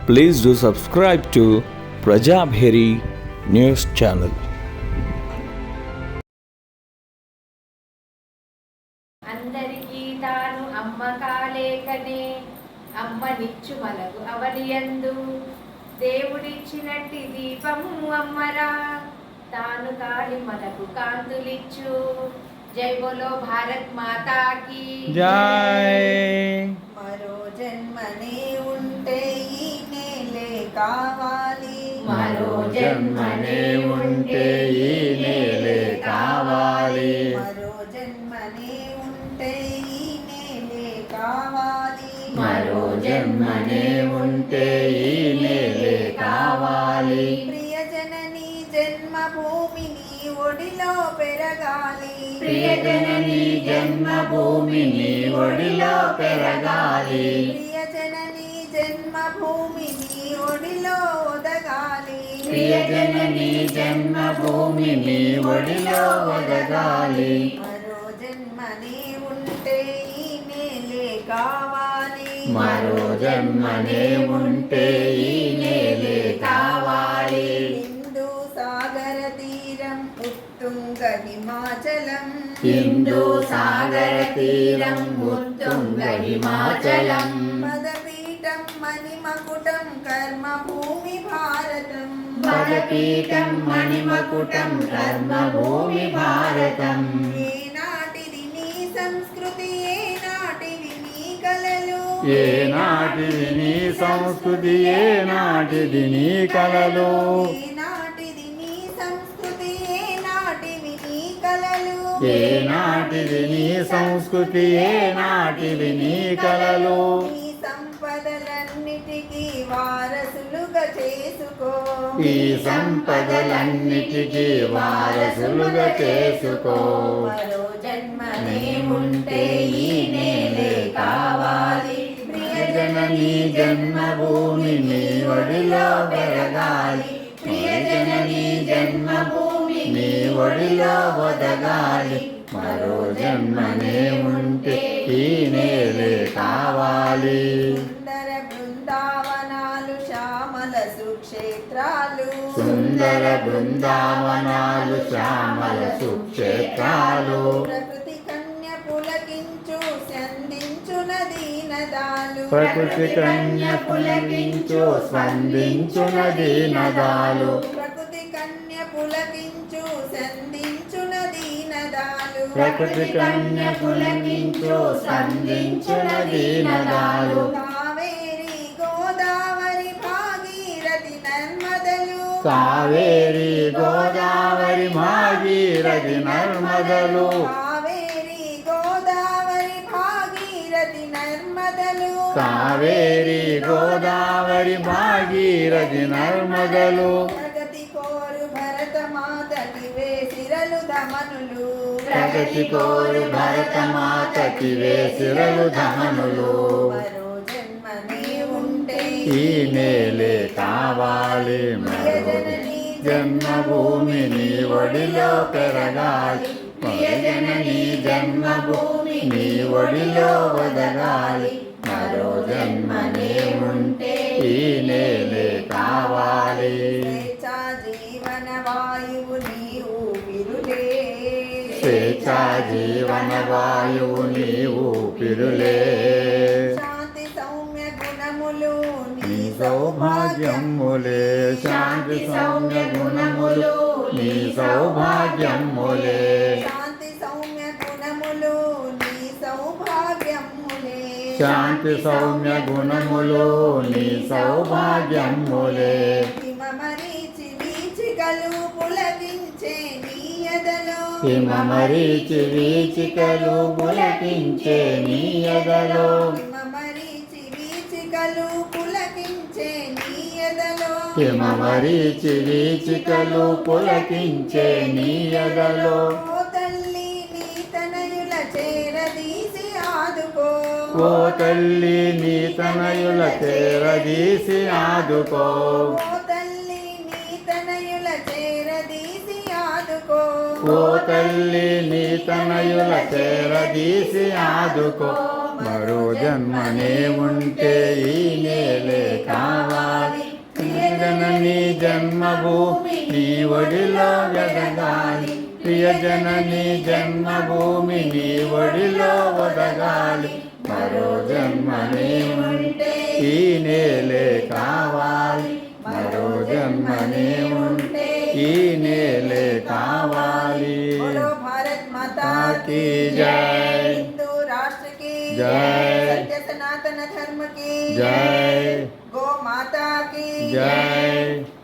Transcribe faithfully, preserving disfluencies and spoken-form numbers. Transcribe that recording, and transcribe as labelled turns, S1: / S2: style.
S1: Please do subscribe to Prajabheri News Channel.
S2: అందరికీ తాను అమ్మ కాలేకనే అమ్మనిచ్చు మనకు అవనియందు దేవుడిచ్చినట్టి దీపము అమ్మరా తాను కాలి మనకు కాంతులిచ్చు. జై బోలో భారత్ మాతాకి
S1: జై.
S3: మరో జన్మనే ఉంటే ఈ నేలే కావాలి,
S2: మరో జన్మనే ఉంటే ఈ నేలే కావాలి,
S3: మరో జన్మనే ఉంటే ఈ నేలే కావాలి,
S2: మరో జన్మనే ఉంటే ఈ నేలే కావాలి.
S3: ప్రియజనని జన్మభూమిని ఒడిలో పెరగాలి,
S2: ప్రియజనని జన్మభూమిని ఒడిలో పెరగాలి,
S3: ప్రియజనని జన్మభూమిని ఒడిలో ఒదగాలి,
S2: ప్రియజనని జన్మభూమిని ఒడిలో ఒదగాలి.
S3: మరో జన్మనే ఉంటే ఈ నేలే కావాలి,
S2: మరో జన్మనే ఉంటే ఈ నేలే కావాలి.
S3: హిందూ సాగర తీరం ఉత్తుంగ హిమాచలం,
S2: హిందూ సాగర తీరం ఉత్తుంగ హిమాచలం,
S3: పదపీఠం మణిమకుటం కర్మభూమి భారతం,
S2: పదపీఠం మణిమకుటం కర్మభూమి భారతం.
S3: ఏనాటిది నీ సంస్కృతి, ఏనాటివి నీ కలలు,
S1: ఏనాటిది నీ సంస్కృతి, ఏనాటిది నీ కలలు,
S3: ఏనాటిది నీ సంస్కృతి, ఏనాటివి నీ కలలు,
S1: ఏనాటిది నీ సంస్కృతి, ఏనాటిది నీ కలలు.
S3: నీ సంపదలన్నిటికీ వారసులుగా చేసుకో,
S1: ఈ సంపదలన్నిటికీ వారసులుగా చేసుకో.
S3: మరో జన్మనే ఉంటే ఈ నేలే కావాలి,
S1: ప్రియజనని జన్మభూమిని ఒడిలో పెరగాలి, ప్రియజనని జన్మభూమిని ఒడిలో ఒదగాలి. మరో జన్మనే ఉంటే ఈ నేలే కావాలి.
S3: సుందర బృందావనాలు శ్యామల సుక్షేత్రాలు,
S1: సుందర బృందావనాలు శ్యామల సుక్షేత్రాలు,
S3: ప్రకృతి కన్య పులకించు సంధించు నదీ నదాలు,
S1: ప్రకృతి కన్య పులకించు స్పందించు నదీ నదాలు,
S3: ప్రకృతి కన్య పులకించు సంధించు నదీ నదాలు,
S1: ప్రకృతి కన్య పులకించు స్పందించు నదీ నదాలు.
S3: కావేరి గోదావరి భాగీరథి నర్మదలు,
S1: కావేరి గోదావరి భాగీరథి నర్మదలు,
S3: కావేరి గోదావరి భాగీరథి నర్మదలు,
S1: కావేరి గోదావరి భాగీరథి నర్మదలు.
S3: ప్రగతి కోరు భరత మాతకి వేసిరలు ధమనులు,
S1: ప్రగతి కోరు భరత మాతకి వేసిరలు ధమనులు.
S3: మరో జన్మనే ఉంటే
S1: ఈ నేలే కావాలి, మరో జన్మభూమిని ఒడిలో పెరగాలి, ప్రియజనని జన్మభూమిని ఒడిలో వదగాలి. మరో జన్మనే ఉంటే ఈ నేలే కావాలి.
S3: స్వేచ్ఛా జీవన వాయువు నీ ఊపిరులే,
S1: స్వేచ్ఛా జీవన వాయువు నీ ఊపిరులే,
S3: శాంతి సౌమ్య గుణములు
S1: నీ సౌభాగ్యములే, శాంతి సౌమ్య గుణములు నీ సౌభాగ్యములే,
S3: శాంతి సౌమ్య గుణములు నీ సౌభాగ్యములే,
S1: శాంతి సౌమ్య గుణములు నీ సౌభాగ్యములే.
S3: హిమమరీచి వీచికలు పులకించే నీ ఎదలో,
S1: హిమమరీచి వీచికలు పులకించే నీ ఎదలో,
S3: హిమమరీచి వీచికలు పులకించే నీ ఎదలో,
S1: హిమమరీచి వీచికలు పులకించే నీ ఎదలో.
S3: ఓ తల్లి నీ తనయుల చేరదీసి ఆదుకో,
S1: ఓ తల్లి నీ తనయుల చేరదీసి ఆదుకో,
S3: ఓ తల్లి నీ తనయుల చేరదీసి ఆదుకో,
S1: ఓ తల్లి నీ తనయుల చేరదీసి ఆదుకో. మరో జన్మనే ఉంటే ఈ నేలే కావాలి.
S4: జననీ జన్మభూమి నీ ఒడిలో వెదగాలి ప్రియజననీ జన్మభూమి నీ ఒడిలో వదగాలి మరో జన్మనే ఉంటే ఈ నేలే కావాలి మరో జన్మనే ఉంటే ఈ నేలే కావాలి
S3: बोलो भारत माता
S4: की जय
S3: हिंदू राष्ट्र की
S4: जय
S3: सत्य सनातन धर्म की
S4: जय
S3: गो माता की
S4: जय